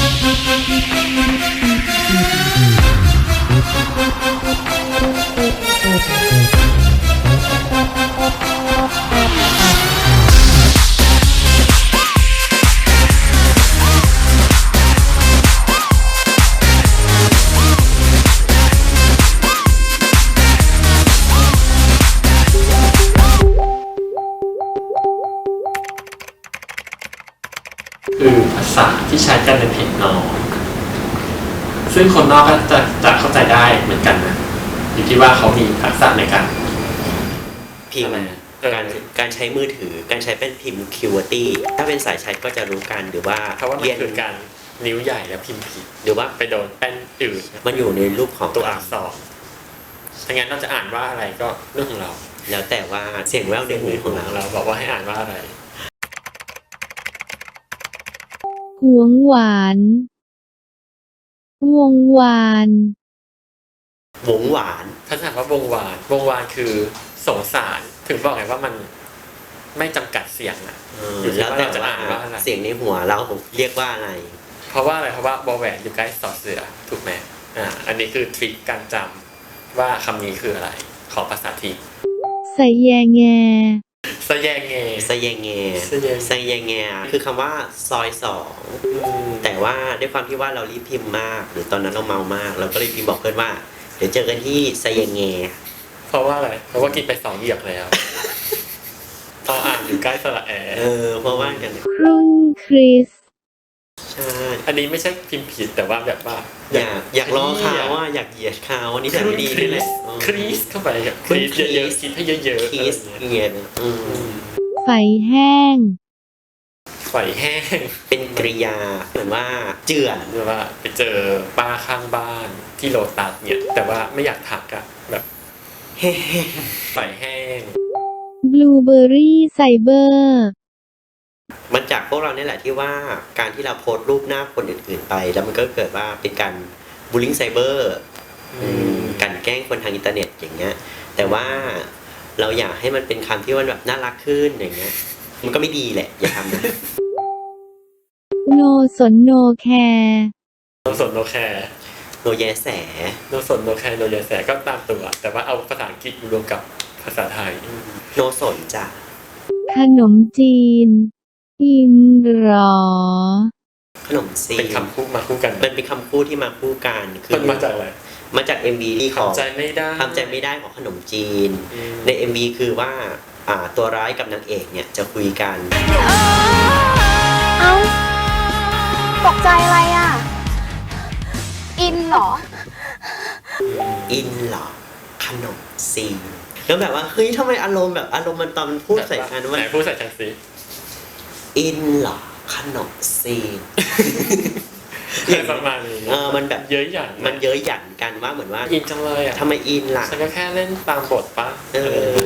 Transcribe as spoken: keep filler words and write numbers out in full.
คือภาษาที่ใช้กันในเพจนอกซึ่งคนนอกก็จะจะเข้าใจได้เหมือนกันนะอยู่ที่ว่าเขามีทักษะในการพิมพ์การการใช้มือถือการใช้เป็นพิมพ์ คิว อาร์ ตี้ ถ้าเป็นสายใช้ก็จะรู้กันหรือว่าเพราะว่ามันคือการนิ้วใหญ่แล้วพิมพ์ผิดหรือว่าไปโดนแป้นอื่นมันอยู่ในรูปของตัวอักษรถ้างั้นเราจะอ่านว่าอะไรก็เรื่องของเราแล้วแต่ว่าเสียงแว่วในหูของเราเราบอกว่าให้อ่านว่าอะไรหวงหวานวงวานหวงหวานถ้าถามว่าวงวานวงวานคือสงสารถึงบอกไงว่ามันไม่จำกัดเสียงอ่ะ อยู่ที่แล้วว่าแต่เราจะว่าอ่านว่าอะไรเสียงในหัวเราเรียกว่าอะไรเพราะว่าอะไรเพราะว่าบอแหวนอยู่ใกล้สอเสือถูกไหมอ่าอันนี้คือทริคการจำว่าคำนี้คืออะไรของภาษาทีใส่แยแงสแยงเงสแยงแงสแยงสแยงแงคือคำว่าซอยสองแต่ว่าด้วยความที่ว่าเรารีบพิมพ์มาก หรือตอนนั้นเราเมามาก เราก็เลยพิมพ์บอกเพื่อนว่าเดี๋ยวเจอกันที่สแยงแงเพราะว่าอะไรเพราะว่ากินไปสองเหยียบแล้วตอนอ่านอยู่ใกล้สระแอเออเพราะว่ากันครุ่นคริสใช่อันนี้ไม่ใช่พิมพ์ผิดแต่ว่าแบบว่าอยากอยากล้อเขาว่าอยากเหยียดเขานี่แต่ไม่ดีนี่แหละครีสเข้าไปอะครีสเยอะๆคิดให้เยอะๆคีสอะไรเหเงี้ยยียดอืมไฟแห้งไฟแห้งเป็นกริยาเหมือนว่าเจือนหรือว่าไปเจอป้าข้างบ้านที่โลตัสเนี่ยแต่ว่าไม่อยากทักอะแบบเฮ้ไฟแห้งบลูเบอร์รี่ไซเบอร์มันจากพวกเราเนี่ยแหละที่ว่าการที่เราโพสต์รูปหน้าคนอื่นๆไป แล้วมันก็เกิดว่าเป็นการบูลลิงไซเบอร์การแกล้งคนทางอินเทอร์เน็ตอย่างเงี้ยแต่ว่าเราอยากให้มันเป็นคำที่มันแบบน่ารักขึ้นอย่างเงี้ยมันก็ไม่ดีแหละอย่าทำนะโนสนโนแคร์โนสนโนแคร์โนแยแสโนสนโนแคร์โนยาแสก็ตามตัวแต่ว่าเอาภาษาอังกฤษมารวมกับภาษาไทยโนสนจ้ะขนมจีน อินหรอขนมซีเป็นคำพูดมาคู่กันมันเป็นคำพูดที่มาคู่กันคืมันมาจากอะไรมาจาก เอ็ม วี ที่ของทำใจไม่ได้ทำใจไม่ได้ของขนมจีนอืมใน เอ็ม วี คือว่าอ่าตัวร้ายกับนางเอกเนี่ยจะคุยกันเอ้าตกใจอะไรอ่ะ อินเหรออินเหรอขนมซีนแล้วแบบว่าเฮ้ยทำไมอารมณ์แบบอารมณ์มันตอนมันพูดใส่กันไหว่านพูดใส่ฉันสิอินเหรอขนมซีนประมาณนี้เออมันแบบเยอะหยันมันเย้ยหยันกันว่าเหมือนว่าอินจังเลยอ่ะทำไมอินล่ะฉันก็แค่เล่นตามบทปะเออ